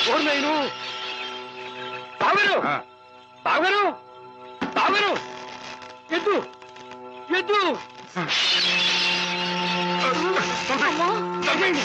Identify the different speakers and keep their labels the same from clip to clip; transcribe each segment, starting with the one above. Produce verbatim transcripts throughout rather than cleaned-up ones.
Speaker 1: నేను బావగారు బావగారు బావగారు ఎద్దు ఎద్దు తగ్గండి.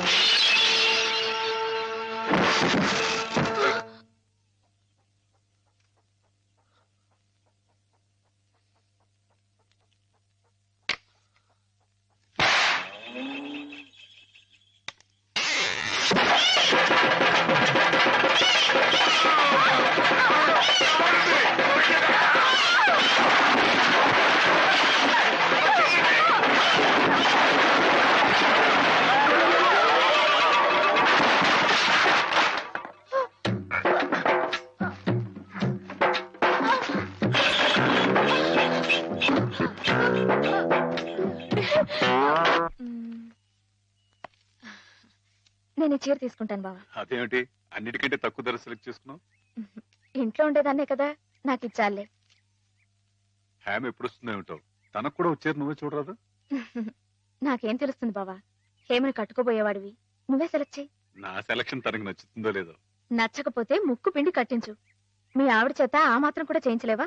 Speaker 2: నేను చీర తీసుకుంటాను బావా.
Speaker 3: అదేమిటి అన్నిటికంటే తక్కువ ధర సెలెక్ట్ చేసుకున్నావు?
Speaker 2: ఇంట్లో ఉండేదాన్నే కదా, నాకు ఇచ్చాలే.
Speaker 3: హ్యామ్ ఎప్పుడు వస్తుందో ఏమిటో, తనకు కూడా వచ్చారు, నువ్వే చూడరాదు.
Speaker 2: నాకేం తెలుస్తుంది బావా, హేమని కట్టుకోబోయేవాడివి, నువ్వే సెలెక్ట్ చేయి.
Speaker 3: నా సెలక్షన్ తనకు నచ్చుతుందో లేదో.
Speaker 2: నచ్చకపోతే ముక్కు పిండి కట్టించు. మీ ఆవిడ చేత ఆ మాత్రం కూడా చేయించలేవా?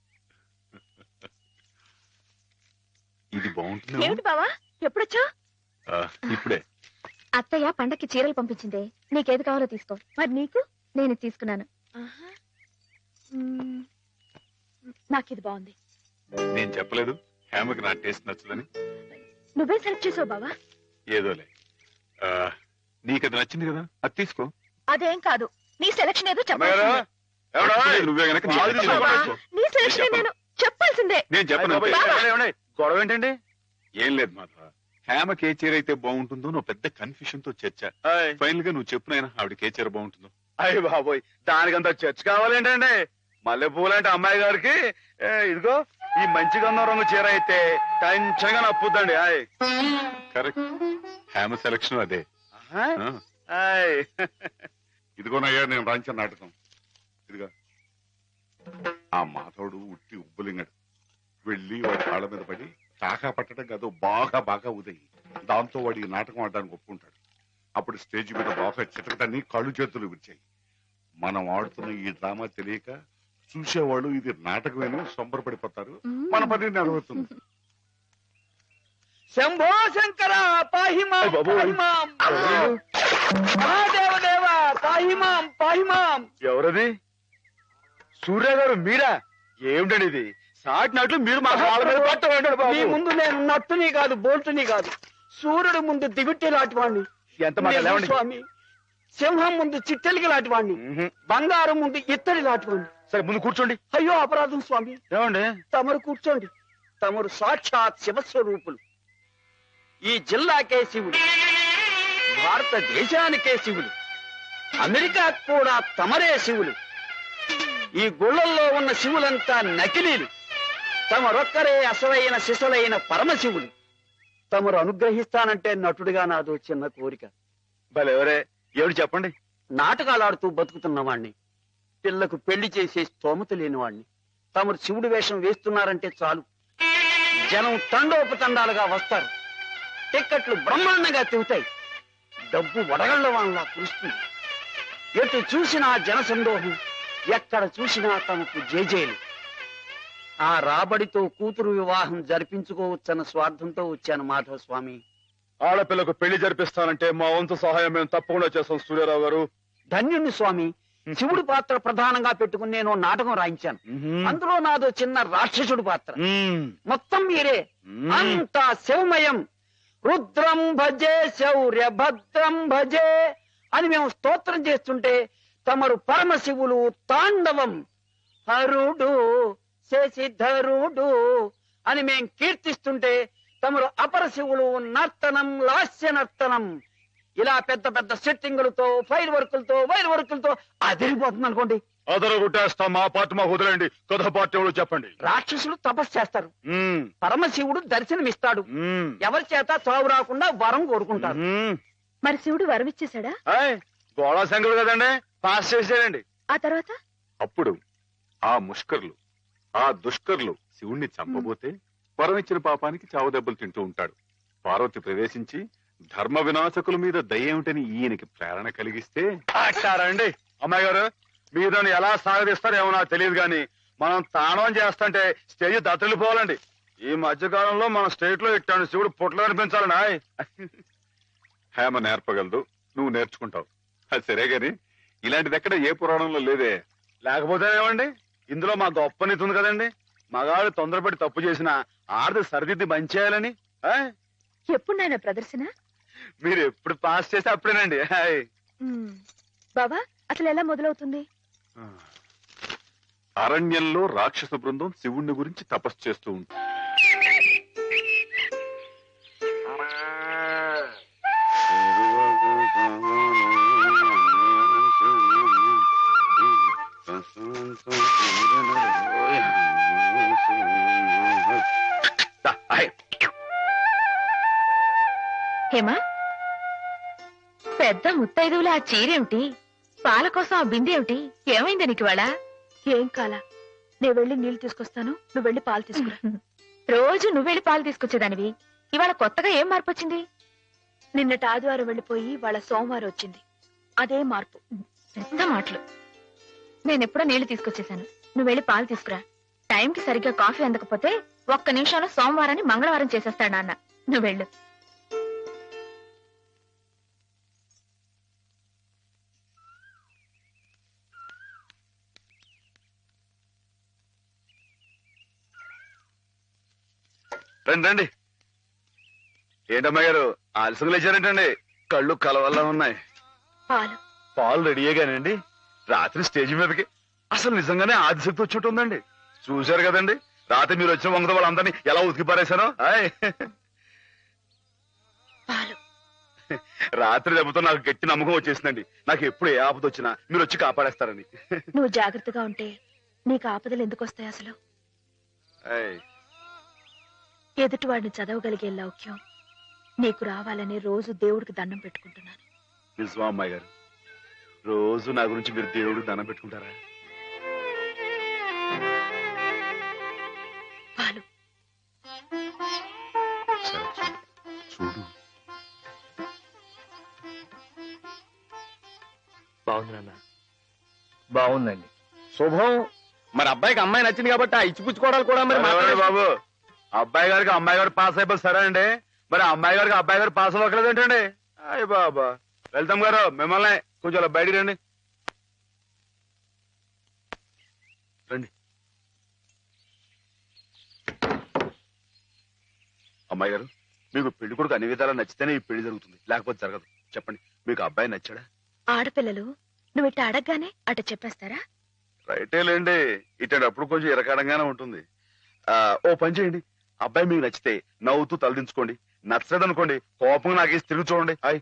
Speaker 3: ఇది బాగుంటుంది.
Speaker 2: ఏమిటి బావా ఎప్పుడొచ్చా?
Speaker 3: ఇప్పుడే.
Speaker 2: అత్తయ్య పండక్కి చీరలు పంపించిందే, నీకేది కావాలో తీసుకో. మరి నీకు? నేను తీసుకున్నాను. నాకు ఇది బాగుంది.
Speaker 3: నేను చెప్పలేదు హేమకి నా టేస్ట్ నచ్చదని?
Speaker 2: నువ్వే సెలెక్ట్ చేసావు బావా.
Speaker 3: ఏదోలే, నీకు అది నచ్చింది కదా, అది తీసుకో.
Speaker 2: అదేం కాదు, నీ సెలక్షన్ ఏదో చెప్పాలి.
Speaker 3: నువ్వే గనక
Speaker 2: నీ సెలక్షన్ నేను చెప్పాల్సిందే.
Speaker 3: నేను చెప్పను.
Speaker 1: గొడవ ఏంటండి?
Speaker 3: ఏం లేదు మాధవ, హేమకి ఏ చీర అయితే బాగుంటుందో నువ్వు పెద్ద కన్ఫ్యూషన్ తో చర్చ. ఫైనల్ గా నువ్వు చెప్పు నాయనా, ఆవిడకి ఏ చీర బాగుంటుందో.
Speaker 1: అయ్య బాబోయ్, దానికంత చర్చ కావాలేంటండి? మల్లె పూలంటే అమ్మాయి గారికి ఇదిగో ఈ మంచి గంధం రంగు చీర అయితే టెన్షన్ గా నప్పుద్దండి. ఆయ్
Speaker 3: కరెక్ట్, హేమ సెలక్షన్ అదే.
Speaker 4: ఇదిగోనయ్యా నేను రాయించిన నాటకం. ఇదిగా ఆ మాధవుడు ఉట్టి ఉబ్బులింగడు వెళ్ళి వాడి కాళ్ళ మీద పడి టాకా పట్టడం కాదు, బాగా బాగా ఉదయి. దాంతో వాడి ఈ నాటకం ఆడడానికి ఒప్పుకుంటాడు. అప్పుడు స్టేజ్ మీద బాగా చిటకటాన్ని కళ్ళు చేతులు విరిచాయి. మనం ఆడుతున్న ఈ డ్రామా తెలియక చూసేవాళ్ళు ఇది నాటకమేనో సంబరపడిపోతారు. మన పని నెరవేరుతుంది.
Speaker 1: శంభో శంకర పాహిమాం పాహిమాం, మహాదేవదేవ పాహిమాం పాహిమాం. ఎవరది? సూర్య గారు మీరా? ఏమిటండి ఇది? సాటినట్లు మీరు మా కాళ్ళ మీద పట్టండి. మీ ముందు నేను నట్టుని కాదు, బోల్టుని కాదు, సూర్యుడు ముందు దిగుట్టి లాంటివాణ్ణి. ఎంత స్వామి, సింహం ముందు చిట్టెలికి లాంటివాణ్ణి, బంగారం ముందు ఇత్తడి లాంటివాణ్ణి. సరే ముందు కూర్చోండి. అయ్యో అపరాధం స్వామి. ఏమండి? తమరు కూర్చోండి. తమరు సాక్షాత్ శివస్వరూపులు. ఈ జిల్లాకే శివుడు, భారతదేశానికే శివుడు, అమెరికా కూడా తమరే శివులు. ఈ గుళ్ళల్లో ఉన్న శివులంతా నకిలీలు, తమరొక్కరే అసలైన శిశులైన పరమశివులు. తమరు అనుగ్రహిస్తానంటే నటుడిగా నాదో చిన్న కోరిక. భలేవరే, ఏమిటి చెప్పండి. నాటకాలు ఆడుతూ బతుకుతున్నవాణ్ణి, పిల్లకు పెళ్లి చేసే స్తోమత లేనివాణ్ణి. తమరు శివుడి వేషం వేస్తున్నారంటే చాలు, జనం తండోపతండాలుగా వస్తారు, టిక్కెట్లు బ్రహ్మాండంగా తిరుగుతాయి, డబ్బు వడగళ్ల వాళ్ళ కురుస్తుంది. ఎటు చూసినా జన సందోహం, ఎక్కడ చూసినా తమకు జేజేలు. ఆ రాబడితో కూతురు వివాహం జరిపించుకోవచ్చన్న స్వార్థంతో వచ్చాను మాధవ స్వామి. ఆడపిల్లకు పెళ్లి జరిపిస్తానంటే మా వంతు సహాయం మేము తప్పకుండా చేస్తాం సూర్యారావు గారు. ధన్యుణ్ణి స్వామి. శివుడి పాత్ర ప్రధానంగా పెట్టుకుని నేను నాటకం రాయించాను. అందులో నాదో చిన్న రాక్షసుడి పాత్ర. మొత్తం మీరే, అంతా శివమయం. రుద్రం భజే శౌర్య భద్రం భజే అని మేము స్తోత్రం చేస్తుంటే తమరు పరమశివులు తాండవం, హరుడు శశిధరుడు అని మేం కీర్తిస్తుంటే తమరు అపరశివులు నర్తనం, లాస్య నర్తనం. ఇలా పెద్ద పెద్ద సెట్టింగులతో, ఫైర్ వర్కులతో, వైర్ వర్కులతో అదిరిపోతుంది అనుకోండి. అదరగొట్టేస్తాం. మా పార్టీ మాకు వదిలేండి. కథ పార్టీ ఎవరు చెప్పండి. రాక్షసులు తపస్సు చేస్తారు, పరమశివుడు దర్శనమిస్తాడు, ఎవరి చేత చావు రాకుండా వరం కోరుకుంటాడు.
Speaker 2: మరి శివుడు వరం ఇచ్చేశాడా?
Speaker 1: గోళా శంకరుడు కదండి, పాస్ చేసాడండి.
Speaker 2: ఆ తర్వాత
Speaker 3: అప్పుడు ఆ ముష్కర్లు, ఆ దుష్కర్లు శివుణ్ణి చంపబోతే వరం ఇచ్చిన పాపానికి చావు దెబ్బలు తింటూ ఉంటాడు. పార్వతి ప్రవేశించి ధర్మ వినాశకుల మీద దయ ఏమిటని ఈయనకి ప్రేరణ కలిగిస్తే
Speaker 5: అండి అమ్మాయి గారు మీరు నన్ను ఎలా సాగదీస్తారేమో నాకు తెలియదు కానీ మనం తాణం చేస్తుంటే స్టేజ్ దత్తలిపోవాలండి. ఈ మధ్య కాలంలో మన స్టేట్ లో ఇట్టాను శివుడు పుట్లు కనిపించాలండి.
Speaker 3: హేమ నేర్పగలదు, నువ్వు నేర్చుకుంటావు. అది సరే గాని ఇలాంటిది ఎక్కడ ఏ పురాణంలో లేదే.
Speaker 5: లేకపోతేనేమండి, ఇందులో మా గొప్ప నీతి ఉంది కదండి. మగాడు తొందరపడి తప్పు చేసిన ఆడది సరిదిద్ది మంచి చేయాలని. ఆయ్,
Speaker 2: ఎప్పుడు నాయన ప్రదర్శన?
Speaker 5: మీరు ఎప్పుడు పాస్ చేస్తే అప్పుడేనండి. ఆయ్.
Speaker 2: ఉమ్. బాబా అసలు ఎలా మొదలవుతుంది?
Speaker 3: అరణ్యంలో రాక్షస బృందం శివుణ్ణి గురించి తపస్సు చేస్తూ ఉంటుంది.
Speaker 2: హేమా, పెద్ద ముత్తైదువులు ఆ చీరేమిటి? పాల కోసం ఆ బిందె ఏమిటి? ఏమైంది నీకు ఇవాళ?
Speaker 6: ఏం కాలా, నేను వెళ్ళి నీళ్లు తీసుకొస్తాను, నువ్వు వెళ్ళి పాలు తీసుకురా.
Speaker 2: రోజు నువ్వెళ్ళి పాలు తీసుకొచ్చేదానివి, ఇవాళ కొత్తగా ఏం మార్పు వచ్చింది?
Speaker 6: నిన్నటి ఆదివారం వెళ్ళిపోయి వాళ్ళ సోమవారం వచ్చింది, అదే మార్పు.
Speaker 2: పెద్ద మాటలు. నేనెప్పుడో నీళ్లు తీసుకొచ్చేసాను, నువ్వు వెళ్ళి పాలు తీసుకురా. టైంకి సరిగ్గా కాఫీ అందకపోతే ఒక్క నిమిషంలో సోమవారాన్ని మంగళవారం చేసేస్తాడు నాన్న. నువ్వు వెళ్ళు.
Speaker 5: రండి రండి. ఏంటమ్మాయి గారు ఆలస్యం లేచారేంటండి? కళ్ళు కలవల్లా ఉన్నాయి.
Speaker 6: పాలు
Speaker 5: పాలు రెడీయేగానండి. రాత్రి స్టేజ్ మీదకి అసలు నిజంగానే ఆదిశక్తి వచ్చి ఉంటుందండి. చూశారు కదండి రాత్రి మీరు వచ్చిన వంగతో వాళ్ళందరినీ ఎలా ఉతికి పారేశానో. ఆయ్,
Speaker 6: పాలు
Speaker 5: రాత్రి దెబ్బతో నాకు గట్టి నమ్మకం వచ్చేసిందండి. నాకు ఎప్పుడు ఏ ఆపద వచ్చినా మీరు వచ్చి కాపాడేస్తారని.
Speaker 6: నువ్వు జాగ్రత్తగా ఉంటే నీకు ఆపదలు ఎందుకు వస్తాయి? అసలు
Speaker 5: ఆయ్,
Speaker 6: ఎదుటివాడిని చదవగలిగే లౌక్యం నీకు రావాలని రోజు దేవుడికి దండం పెట్టుకుంటున్నాను.
Speaker 5: నిజమా అమ్మాయి గారు? రోజు నా గురించి మీరు దేవుడికి దండం పెట్టుకుంటారా?
Speaker 6: పాలు
Speaker 3: సరే, చూడు.
Speaker 7: బాగుంది నాన్న, బాగుందండి.
Speaker 1: శుభం. మరి అబ్బాయికి అమ్మాయి నచ్చింది కాబట్టి ఆ ఇచ్చిపుచ్చుకోవడాలు కూడా మరి
Speaker 5: ఎవరండి
Speaker 1: మాట్లాడే-
Speaker 5: బాబు, అబ్బాయి గారికి అమ్మాయి గారు పాస్ అయిపోయి సరే అండి, మరి అమ్మాయి గారికి అబ్బాయి గారు పాస్ అవ్వకలేదు ఏంటండి? అయ్య బాబా. వెళ్తాం గారు మిమ్మల్ని కొంచెం అలా బయటికి రండి. రండి. అమ్మాయి గారు, మీకు పెళ్లి కొడుకు అన్ని విధాలా నచ్చితేనే ఈ పెళ్లి జరుగుతుంది, లేకపోతే జరగదు. చెప్పండి, మీకు అబ్బాయి నచ్చాడా?
Speaker 6: ఆడపిల్లలు నువ్వు ఇట్ట అడగగానే అట చెప్పేస్తారా?
Speaker 5: రైటే లేండి, ఇటప్పుడు కొంచెం ఇరకాడంగానే ఉంటుంది. ఆ, ఓ పని చేయండి, అబ్బాయి మీకు నచ్చితే నవ్వుతూ తలదించుకోండి, నచ్చలేదు అనుకోండి కోపం నాకేసి తిరిగి చూడండి. హాయ్.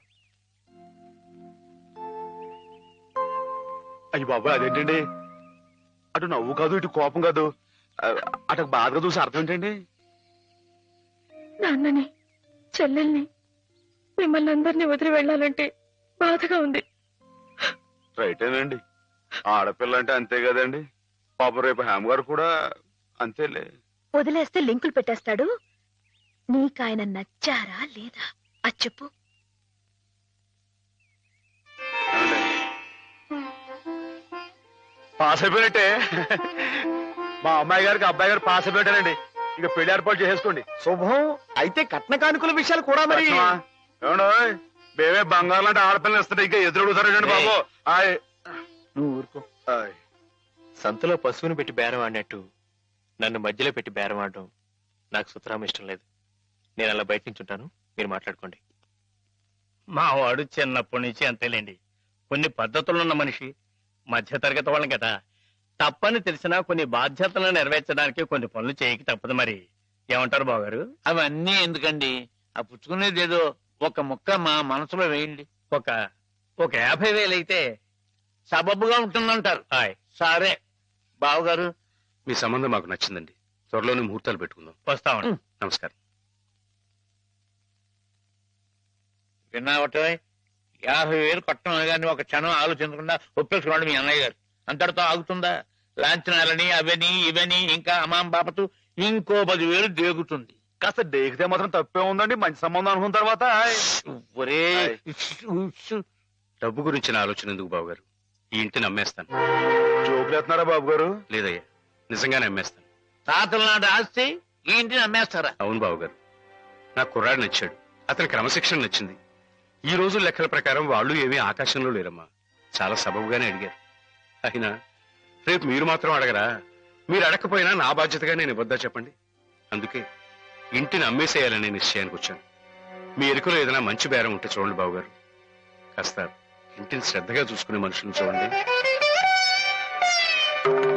Speaker 5: అయ్యి బాబు, అదేంటండి అటు నవ్వు కాదు ఇటు కోపం కాదు, ఆ, అటు బాధగా చూసి అర్థం ఏంటండి?
Speaker 6: నాన్నని, చెల్లెల్ని, మిమ్మల్ని అందరినీ వదిలి వెళ్ళాలంటే బాధగా ఉంది.
Speaker 5: రైటేనండి, ఆడపిల్ల అంటే అంతే కదండి. పాప రేపు హేమ గారు కూడా అంతేలే.
Speaker 6: వదిలేస్తే లింకులు పెట్టేస్తాడు. నీకాయన నచ్చారా లేదా అది చెప్పు.
Speaker 5: పాస్ అయిపోయినట్టే. మా అమ్మాయి గారికి అబ్బాయి గారు పాస్ అయిపోయారండి. ఇక పెళ్లి ఏర్పాటు చేసేసుకోండి.
Speaker 1: శుభం. అయితే కట్న కానుకల విషయాలు కూడా మరి
Speaker 5: ఏమండో, మేమే బంగారం లాంటి ఆడపిల్లలు ఇస్తుంటే ఇంకా ఎదురడుగుతారండి బాబు. ఆయ్.
Speaker 7: నువ్వు ఊరుకో.
Speaker 5: ఆయ్.
Speaker 7: సంతలో పశువుని పెట్టి బేరం ఆడినట్టు నన్ను మధ్యలో పెట్టి బేరం ఆడడం నాకు సుతరాం ఇష్టం లేదు. నేను అలా బయట నుంచి ఉంటాను, మీరు మాట్లాడుకోండి.
Speaker 8: మా వాడు చిన్నప్పటి నుంచి అంతేలేండి. కొన్ని పద్ధతులున్న మనిషి, మధ్యతరగతి వాళ్ళం కదా. తప్పని తెలిసినా కొన్ని బాధ్యతలను నెరవేర్చడానికి కొన్ని పనులు చేయక తప్పదు. మరి ఏమంటారు బావగారు?
Speaker 9: అవన్నీ ఎందుకండి, ఆ పుచ్చుకునేది ఏదో ఒక ముక్క మా మనసులో వేయండి.
Speaker 8: ఒక ఒక యాభై వేలు అయితే
Speaker 9: సబబుగా ఉంటుందంటారు.
Speaker 8: హాయ్,
Speaker 9: సరే బావగారు,
Speaker 7: మీ సంబంధం మాకు నచ్చిందండి. త్వరలోనే ముహూర్తాలు పెట్టుకుందాం.
Speaker 8: వస్తామండి.
Speaker 7: నమస్కారం.
Speaker 9: విన్నావట, యాభై వేలు కట్టడం కానీ ఒక క్షణం ఆలోచించకుండా ఒప్పేసుకున్నాడు మీ అన్నయ్య గారు. అంతటితో ఆగుతుందా? లాంఛనాలని అవని ఇవని ఇంకా అమాం బాపతు ఇంకో పదివేలు దేగుతుంది.
Speaker 5: కాస్త డేకితే మాత్రం తప్పే ఉందండి, మంచి సంబంధం అనుకున్న తర్వాత ఆయ్.
Speaker 8: ఒరే డబ్బు గురించిన ఆలోచన ఎందుకు బావగారు? ఈ ఇంటిని అమ్మేస్తాను.
Speaker 5: జోకులేస్తున్నారా బాబు గారు?
Speaker 8: లేదయ్యా, నిజంగానే అమ్మేస్తాను.
Speaker 9: తాతల నాటి ఆస్తి ఈ ఇంటిని అమ్మేస్తారా?
Speaker 8: అవును బావగారు, నాకు కుర్రాడు నచ్చాడు, అతని క్రమశిక్షణ నచ్చింది. ఈ రోజు లెక్కల ప్రకారం వాళ్ళు ఏమీ ఆకాశంలో లేరమ్మా, చాలా సబబుగానే అడిగారు. అయినా రేపు మీరు మాత్రం అడగరా? మీరు అడగకపోయినా నా బాధ్యతగా నేను ఇవ్వద్దా చెప్పండి? అందుకే ఇంటిని అమ్మేసేయాలనే నిశ్చయానికి వచ్చాను. మీ ఎరుకలో ఏదైనా మంచి బేరం ఉంటే చూడండి బావగారు. కాస్త ఇంటిని శ్రద్ధగా చూసుకునే మనుషులను చూడండి.